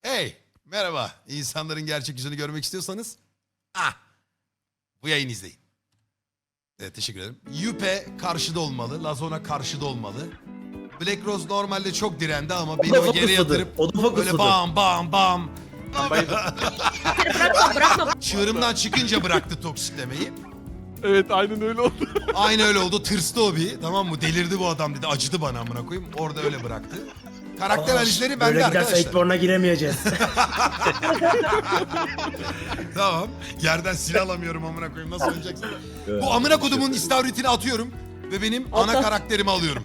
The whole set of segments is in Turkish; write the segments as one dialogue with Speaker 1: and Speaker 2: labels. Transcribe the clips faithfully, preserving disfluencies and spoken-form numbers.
Speaker 1: Hey, merhaba. İnsanların gerçek yüzünü görmek istiyorsanız, ah, bu yayını izleyin. Evet, teşekkür ederim. Yüpe karşıda olmalı, Lazona karşıda olmalı. Black Rose normalde çok direndi ama beni o geri yatırıp
Speaker 2: O da
Speaker 1: böyle
Speaker 2: fokusladı.
Speaker 1: bam bam bam.
Speaker 3: Bırakma bırakma.
Speaker 1: Çığırımdan çıkınca bıraktı toksiklemeyi.
Speaker 4: Evet aynen öyle oldu.
Speaker 1: Aynı öyle oldu. Tırstı o bir. Tamam mı? Delirdi bu adam dedi. Acıdı bana amına koyayım. Orada öyle bıraktı. Karakter analizleri bende
Speaker 2: Böyle giderse
Speaker 1: arkadaşlar.
Speaker 2: Eightborn'a giremeyeceğiz.
Speaker 1: Tamam. Yerden silah alamıyorum amına koyayım. Nasıl oynayacaksın? Bu amına kodumun istavritini atıyorum ve benim ana
Speaker 3: Atla.
Speaker 1: karakterimi alıyorum.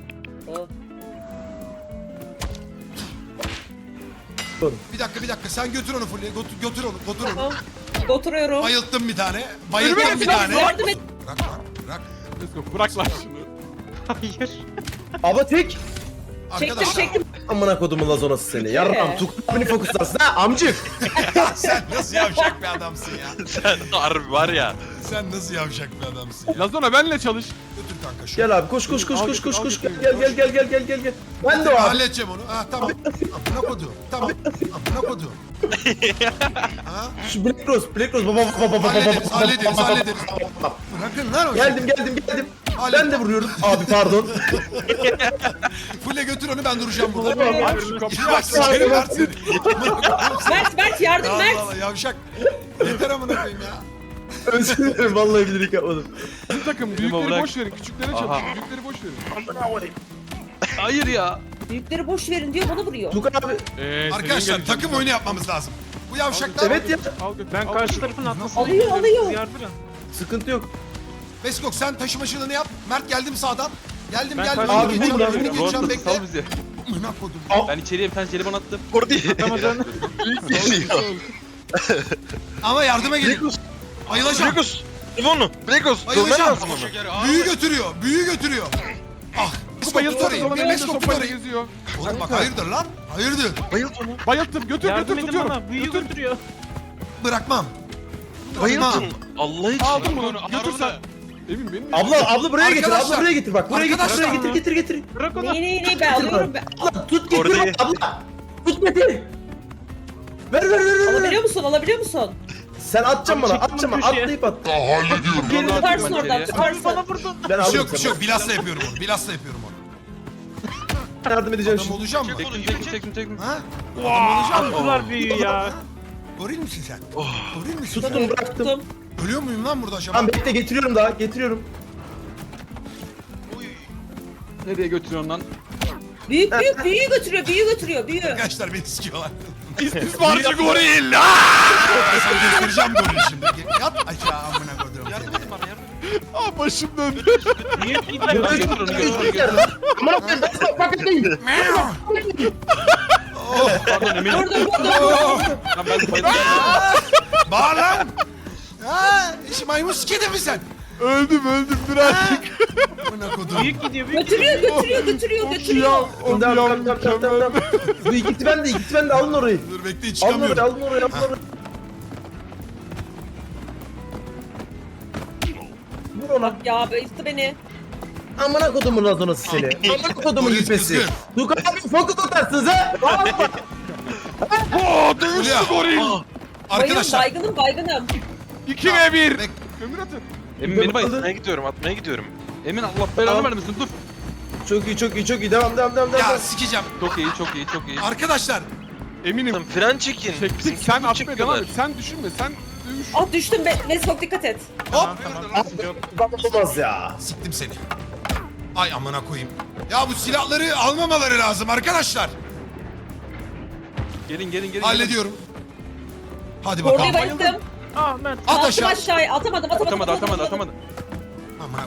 Speaker 1: Bir dakika bir dakika sen götür onu Fulya. Götür, götür onu. Götür onu.
Speaker 3: Tamam. Oturuyorum.
Speaker 1: Bayılttım bir tane. Bayılttım bir tane.
Speaker 3: Yardım et.
Speaker 1: Bırak lan. Bırak.
Speaker 4: Let's go. Bırak lan şunu.
Speaker 5: Hayır.
Speaker 2: Ama tek
Speaker 3: Çektim
Speaker 1: Arkadaşlar
Speaker 3: çektim.
Speaker 2: amına kodumun lazonası seni. Yarram Tukan abini fokuslarsın ha amcık.
Speaker 1: sen nasıl yavşak bir adamsın ya.
Speaker 5: Sen harbi var ya.
Speaker 1: Sen nasıl yavşak bir adamsın ya.
Speaker 4: Lazona benle çalış.
Speaker 1: Götür kanka şunu.
Speaker 2: Gel abi koş koş koş
Speaker 4: Al
Speaker 2: koş
Speaker 4: götür,
Speaker 2: koş
Speaker 4: al
Speaker 2: koş
Speaker 4: götür.
Speaker 2: gel gel gel gel gel gel gel. Ben de o abi.
Speaker 1: Halledeceğim onu. Ha tamam. Amına kodu. Tamam. Amına kodu. Ha?
Speaker 2: Şu Black Rose Black Rose baba baba baba baba.
Speaker 1: Hallederiz, hallederiz, hallederiz. Bırakın lan o şeyi.
Speaker 2: Geldim geldim geldim.
Speaker 1: Hallet.
Speaker 2: Ben de vuruyorum. Abi pardon.
Speaker 1: Fulle götür onu ben duracağım burada.
Speaker 2: Tamam.
Speaker 4: Aç şu kapıyı
Speaker 1: Bak
Speaker 4: aç.
Speaker 1: sikerim Mert seni.
Speaker 3: Mert Mert yardım
Speaker 1: Allah
Speaker 3: Mert.
Speaker 1: Allah yavşak. Yeter amına koyayım ya.
Speaker 2: Özür dilerim vallahi bilerek yapmadım.
Speaker 4: Bizim takım büyükleri
Speaker 5: bırak.
Speaker 4: boş verin. Küçüklere
Speaker 5: Aha.
Speaker 4: çalış. Büyükleri boş verin.
Speaker 5: Hayır ya.
Speaker 3: Büyükleri boş verin diyor bana vuruyor.
Speaker 2: Tukan abi.
Speaker 4: Ee,
Speaker 1: Arkadaşlar
Speaker 4: senin
Speaker 1: takım
Speaker 4: geleceğin-
Speaker 1: oyunu yapmamız lazım. Bu yavşaklar...
Speaker 2: Evet ya.
Speaker 4: Al götür.
Speaker 5: Ben
Speaker 4: al
Speaker 5: karşı
Speaker 4: götür.
Speaker 5: tarafın atlasını
Speaker 3: Alıyor, alıyor.
Speaker 5: Yardırın.
Speaker 2: Sıkıntı yok.
Speaker 1: Beskok sen taşımacılığını yap. Mert geldim sağdan. Geldim
Speaker 5: Ben
Speaker 1: geldim.
Speaker 5: karşı-
Speaker 1: Önünü
Speaker 2: Abi,
Speaker 1: geçeceğim,
Speaker 2: burada,
Speaker 1: önünü geçeceğim
Speaker 5: Rostam
Speaker 1: bekle.
Speaker 5: sal bizi.
Speaker 1: Amına kodum.
Speaker 5: Ben içeriye bir tane jelibon attım.
Speaker 6: Orada
Speaker 5: Ramazan.
Speaker 1: Ama yardıma gelin.
Speaker 6: Brekos,
Speaker 1: Ayılacağım.
Speaker 6: Brekos. Ivonu, Brekos. Dövmen
Speaker 1: Ayılacağım.
Speaker 6: lazım onu.
Speaker 1: Büyü götürüyor. Büyü götürüyor. Ah. Beskok
Speaker 4: Bayılttım.
Speaker 1: tutarayım.
Speaker 4: Lazona
Speaker 1: Bir
Speaker 4: elinde
Speaker 1: Beskok
Speaker 4: sopayla
Speaker 1: tutarayım.
Speaker 4: geziyor.
Speaker 1: Oğlum bak hayırdır lan? Hayırdır?
Speaker 6: Bayılt onu.
Speaker 4: Bayılttım. Götür
Speaker 5: Yardım
Speaker 4: götür
Speaker 5: edin
Speaker 4: tutuyorum.
Speaker 5: bana. Büyü
Speaker 4: Götür.
Speaker 5: götürüyor.
Speaker 1: Bırakmam.
Speaker 6: Bayıltın. Allah için.
Speaker 4: Aldım bunu. Götür sen. Emin benim.
Speaker 2: Abla abla buraya getir.
Speaker 1: Arkadaşlar.
Speaker 2: Abla buraya getir bak. Buraya getir.
Speaker 1: Arkadaşlar.
Speaker 2: Buraya getir getir getir.
Speaker 5: Bırak onu.
Speaker 3: Neyi neyi neyi ben alıyorum ben.
Speaker 2: Abla tut getir
Speaker 6: Orada-
Speaker 2: abla. Tut getir. Ver ver ver ver. ver.
Speaker 3: Alabiliyor musun alabiliyor musun?
Speaker 2: Sen atacaksın bana.
Speaker 5: Abi,
Speaker 2: Atacaksın bana.
Speaker 5: köşeye.
Speaker 2: Atlayıp at.
Speaker 5: Geri
Speaker 3: Tutarsın oradan
Speaker 5: içeriye.
Speaker 3: tutarsın.
Speaker 5: Bana vurdun.
Speaker 2: Ben
Speaker 1: Bir şey yok
Speaker 2: aldım
Speaker 1: bir şey yok. Bilasla yapıyorum onu. Bilasla yapıyorum onu.
Speaker 2: Yardım edeceğim
Speaker 1: Adam
Speaker 2: şimdi.
Speaker 1: olacağım mı?
Speaker 5: Çektim çektim çektim çektim.
Speaker 1: Ha? Adam olacağım mı?
Speaker 5: Attılar büyüyü ya.
Speaker 1: Goril misin sen? Goril misin sen?
Speaker 2: Tuttum bıraktım.
Speaker 3: Tuttum.
Speaker 1: Ölüyor muyum lan burada acaba?
Speaker 2: Tamam bekle getiriyorum daha. Getiriyorum.
Speaker 5: Nereye götürüyorsun lan?
Speaker 3: Büyük büyük büyüğü götürüyor büyüğü götürüyor büyüğü.
Speaker 1: Arkadaşlar beni sikiyorlar.
Speaker 4: İstismarcı goril.
Speaker 1: Ben sana göstereceğim goril şimdi. Yat aşağı amına koyduğum. Yardım edin bana yardım edin.
Speaker 4: Aa başım döndü.
Speaker 5: Büyük gidiyor. Götür onu götür onu götür.
Speaker 2: Amına koyayım ben sana paketeyim.
Speaker 5: Pardon Emin.
Speaker 3: Vurdum vurdum.
Speaker 5: Lan ben de bayıldım.
Speaker 1: Bağır lan. Ha, iş maymun sikedi mi sen?
Speaker 4: Öldüm öldüm dur artık.
Speaker 1: Amına koduğum.
Speaker 5: Büyük gidiyor büyük
Speaker 3: Götürüyor
Speaker 5: gidiyor.
Speaker 3: götürüyor götürüyor götürüyor.
Speaker 4: O
Speaker 2: Tamam
Speaker 4: bir
Speaker 2: tamam
Speaker 4: an
Speaker 2: tamam tamam tamam.
Speaker 4: mükemmel.
Speaker 2: Bu ikisi bende ikisi bende alın orayı.
Speaker 1: Dur bekleyin
Speaker 2: Alın orayı
Speaker 1: çıkamıyorum.
Speaker 2: alın orayı alın orayı. Vur ona.
Speaker 3: Ya bayılttı beni.
Speaker 2: Amına kodumun lazonası seni. Amına kodumun
Speaker 1: Polis
Speaker 2: yüpesi.
Speaker 1: kızgın.
Speaker 2: Tukan abi fokus atarsınız ha. Rahatla.
Speaker 4: Oo dövüştü
Speaker 1: Fulya.
Speaker 4: goril.
Speaker 3: Bayılım
Speaker 1: Arkadaşlar.
Speaker 3: baygınım baygınım.
Speaker 4: iki ve bir.
Speaker 1: Bek-
Speaker 4: Kömür atın.
Speaker 5: Emin beni bayıldı.
Speaker 6: Atmaya gidiyorum, atmaya gidiyorum.
Speaker 5: Emin Allah belanı
Speaker 2: Tamam.
Speaker 5: vermesin dur.
Speaker 2: Çok iyi çok iyi çok iyi devam devam devam
Speaker 1: Ya
Speaker 2: devam.
Speaker 1: sikeceğim.
Speaker 5: Çok iyi çok iyi çok iyi.
Speaker 1: Arkadaşlar.
Speaker 4: Eminim.
Speaker 6: Tamam, fren çekin.
Speaker 4: Çektik
Speaker 6: Bizimki
Speaker 4: sen
Speaker 6: full
Speaker 4: atmaya
Speaker 6: çekiyorlar.
Speaker 4: devam et. Sen düşünme sen dövüş.
Speaker 3: Ah düştüm be. Neyse dikkat et.
Speaker 1: Hop.
Speaker 2: Olmaz ya.
Speaker 1: Siktim seni. Ay amına koyayım. Ya bu silahları almamaları lazım arkadaşlar.
Speaker 5: Gelin gelin gelin.
Speaker 1: Hallediyorum. Hadi
Speaker 3: Korneyi
Speaker 1: bakalım.
Speaker 3: bayılttım.
Speaker 5: Ah Mert.
Speaker 1: At
Speaker 3: Attım
Speaker 1: aşağı.
Speaker 3: aşağıya. Atamadım atamadım.
Speaker 5: Atamadı atamadı atamadı.
Speaker 1: Amına.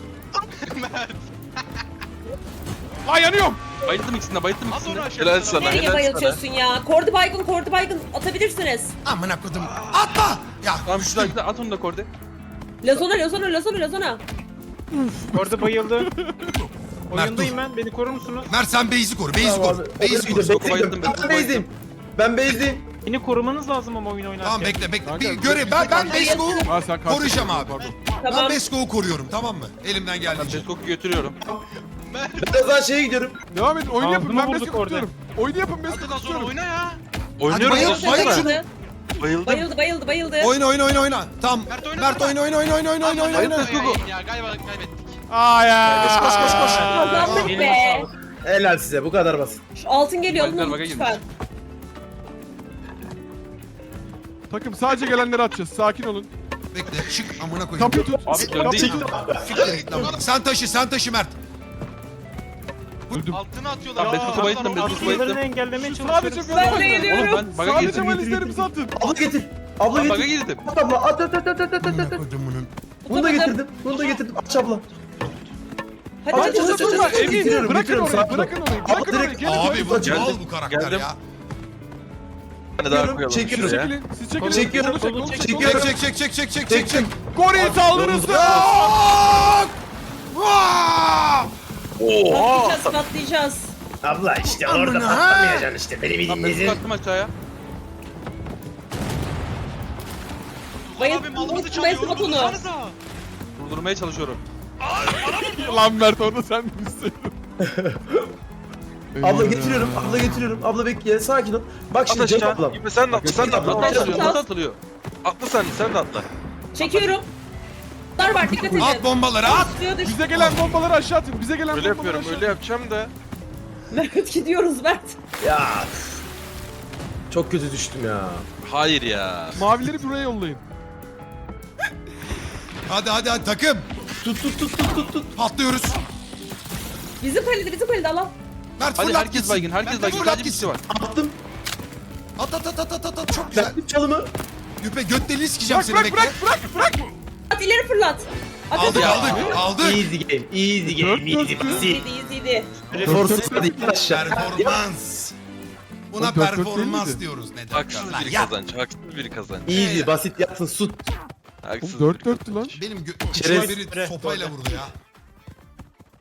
Speaker 4: Aa yanıyorum.
Speaker 5: Bayıldım ikisinde bayıldım ikisinde.
Speaker 6: Helal sana,
Speaker 3: Nereye
Speaker 6: helal sana.
Speaker 3: bayıltıyorsun ya? Kordi baygın kordi baygın atabilirsiniz.
Speaker 1: Amına kodum. Atma. Ya
Speaker 5: Tamam
Speaker 1: düştüm.
Speaker 5: şuradan at onu da korde.
Speaker 3: Lazona lazona lazona lazona.
Speaker 7: Orada bayıldı.
Speaker 1: Mert
Speaker 7: Oyundayım
Speaker 1: dur.
Speaker 7: ben. Beni korur musunuz?
Speaker 1: Mert sen base'i koru. Base'i
Speaker 2: Tamam
Speaker 1: koru.
Speaker 2: abi.
Speaker 1: Base'i
Speaker 2: Oraya
Speaker 1: koru.
Speaker 2: gidiyorum,
Speaker 5: bayıldım,
Speaker 2: bekle,
Speaker 5: ben
Speaker 2: Ben base'deyim. Ben base'deyim.
Speaker 7: Beni korumanız lazım ama oyun oynarken.
Speaker 1: Tamam bekle bekle.
Speaker 4: Kanka,
Speaker 1: Bir göre ben ben Besko'yu
Speaker 4: Aa, sen karşı-
Speaker 1: koruyacağım abi.
Speaker 4: Pardon.
Speaker 1: Ben
Speaker 3: Tamam.
Speaker 1: Besko'yu koruyorum tamam mı? Elimden
Speaker 5: Ben
Speaker 1: geldiğince.
Speaker 5: Beskok'u götürüyorum.
Speaker 2: Ben o zaman şeye gidiyorum.
Speaker 4: Devam edin oyunu yapın
Speaker 7: Ağzıma
Speaker 4: ben
Speaker 7: vurduk
Speaker 4: Beskok'u
Speaker 7: orada.
Speaker 4: tutuyorum. Oyunu yapın Beskok'u
Speaker 6: Hadi lan sonra
Speaker 4: tutuyorum.
Speaker 6: oyna ya. Oynuyorum.
Speaker 1: bayıl,
Speaker 6: dostum.
Speaker 1: bayıl şunu.
Speaker 3: Bayıldı.
Speaker 6: Bayıldım.
Speaker 3: Bayıldı bayıldı bayıldı.
Speaker 1: Oyna oyna oyna oyna. Tamam.
Speaker 8: Mert oyna,
Speaker 1: Mert oyna oyna oyna oyna oyna oyna oyna. oyna.
Speaker 8: Ya galiba kaybettik.
Speaker 4: Aa ya.
Speaker 6: Koş koş koş koş.
Speaker 3: Kazandık be.
Speaker 2: Helal size bu kadar basit.
Speaker 3: Şu altın geliyor
Speaker 5: Bayıldılar,
Speaker 3: alın
Speaker 5: baga
Speaker 3: lütfen.
Speaker 4: Takım sadece gelenleri atacağız. Sakin olun.
Speaker 1: Bekle çık amına koyayım.
Speaker 4: Kapıyı tut.
Speaker 5: Abi dön değil.
Speaker 1: Siktir git lan. Sen taşı sen taşı Mert.
Speaker 4: Öldüm.
Speaker 8: Altına atıyorlar.
Speaker 5: Tamam Bezos'u bayılttım. Bezos'u
Speaker 7: Atlılarını
Speaker 5: bayılttım.
Speaker 7: engellemeye
Speaker 4: Sadece
Speaker 7: çalışıyoruz.
Speaker 3: Ben de
Speaker 4: böyle.
Speaker 3: geliyorum.
Speaker 5: Oğlum ben baga
Speaker 4: Sadece
Speaker 5: girdim.
Speaker 4: valizlerimizi atın.
Speaker 2: Abla getir. Abla
Speaker 5: Ben baga
Speaker 2: getir.
Speaker 5: girdim.
Speaker 2: At abla at at at at at at
Speaker 1: Amına
Speaker 2: at.
Speaker 1: koydum bunun.
Speaker 2: Bunu da getirdim. Bunu da getirdim. Aç abla.
Speaker 3: Hadi
Speaker 2: Abi,
Speaker 3: hadi
Speaker 2: çok
Speaker 3: hadi.
Speaker 2: çok-
Speaker 4: Durma
Speaker 2: çok-
Speaker 4: Emin.
Speaker 2: getiriyorum,
Speaker 4: Bırakın
Speaker 2: getiriyorum,
Speaker 4: orayı.
Speaker 2: sakin ol.
Speaker 4: Bırakın orayı.
Speaker 2: Abi,
Speaker 4: Bırakın orayı.
Speaker 2: direkt-
Speaker 4: Gelin
Speaker 1: Abi bu
Speaker 2: Geldim.
Speaker 1: mal bu karakter
Speaker 5: Geldim.
Speaker 1: ya.
Speaker 6: Bir tane daha
Speaker 2: Çekiyorum,
Speaker 6: koyalım.
Speaker 2: çekiyorum.
Speaker 6: şuraya.
Speaker 4: Çekilin. Siz çekilin.
Speaker 2: Çekiyorum,
Speaker 4: Kolu çek, kolu çek, kolu
Speaker 2: çekiyorum.
Speaker 1: Çek çek çek çek çek çek çek çek.
Speaker 4: Goril saldırısı.
Speaker 3: Patlayacağız patlayacağız.
Speaker 2: Abla işte
Speaker 1: Amına.
Speaker 2: orada patlamayacaksın işte. Beni
Speaker 5: Tamam
Speaker 2: bir
Speaker 5: Bezos'u attım aşağıya.
Speaker 3: Bayıl.
Speaker 8: Abi malımızı
Speaker 3: Bayıl
Speaker 8: çalıyor.
Speaker 3: bak onu.
Speaker 8: Vursanıza.
Speaker 5: Durdurmaya çalışıyorum.
Speaker 4: Lan Mert orada sen misin?
Speaker 2: Abla getiriyorum. Abla getiriyorum. Abla bekle. Sakin ol. Bak
Speaker 6: At
Speaker 2: şimdi Cenk
Speaker 6: aşağı.
Speaker 2: ablam.
Speaker 6: Gibi sen de atla. Sen de atla.
Speaker 5: Nasıl
Speaker 3: Atla.
Speaker 5: atılıyor? Nasıl atılıyor?
Speaker 6: Atla sen de sen de atla.
Speaker 3: Çekiyorum. Dar var dikkat edin.
Speaker 1: At bombaları at.
Speaker 3: Suya düş.
Speaker 4: Bize gelen bombaları aşağı atın. Bize gelen
Speaker 6: Öyle
Speaker 4: bombaları
Speaker 6: yapıyorum.
Speaker 4: aşağı
Speaker 6: Öyle yapacağım da.
Speaker 3: Mert gidiyoruz Mert.
Speaker 2: Ya. Çok kötü düştüm ya.
Speaker 6: Hayır ya.
Speaker 4: Mavileri buraya yollayın.
Speaker 1: Hadi hadi hadi takım.
Speaker 2: Tut tut tut tut tut tut.
Speaker 1: Patlıyoruz.
Speaker 3: Bizim kalede bizim kalede Allah.
Speaker 1: Mert
Speaker 5: Hadi
Speaker 1: fırlat
Speaker 5: herkes
Speaker 1: gitsin.
Speaker 5: baygın. Herkes
Speaker 1: Mert
Speaker 5: baygın.
Speaker 1: fırlat
Speaker 5: Sadece bir kişi
Speaker 1: gitsin.
Speaker 5: var.
Speaker 2: Attım.
Speaker 1: At at at at at at at. Çok güzel.
Speaker 2: Bıraktım çalımı.
Speaker 1: Yüpe göt deliği sikeceğim
Speaker 4: Bırak
Speaker 1: seni
Speaker 4: bırak
Speaker 1: bekle.
Speaker 4: bırak bırak bırak.
Speaker 3: At ileri fırlat. At
Speaker 1: Aldık
Speaker 3: at.
Speaker 1: aldık aldık.
Speaker 2: Easy game. Easy game. Easy basit.
Speaker 3: İyiydi iyiydi.
Speaker 2: Force hadi in aşağı.
Speaker 1: Performans. Buna
Speaker 4: O dört dört
Speaker 1: performans
Speaker 4: değil miydi?
Speaker 1: diyoruz. Ne
Speaker 6: Haksız
Speaker 1: Lan
Speaker 6: bir
Speaker 1: ya,
Speaker 6: kazanç. Haksız bir kazanç.
Speaker 2: Easy basit yatsın sut.
Speaker 6: Haksız
Speaker 4: Oğlum
Speaker 6: bir
Speaker 4: dört dörttü lan.
Speaker 1: benim gö-
Speaker 2: Çerez.
Speaker 1: biri sopayla vurdu ya.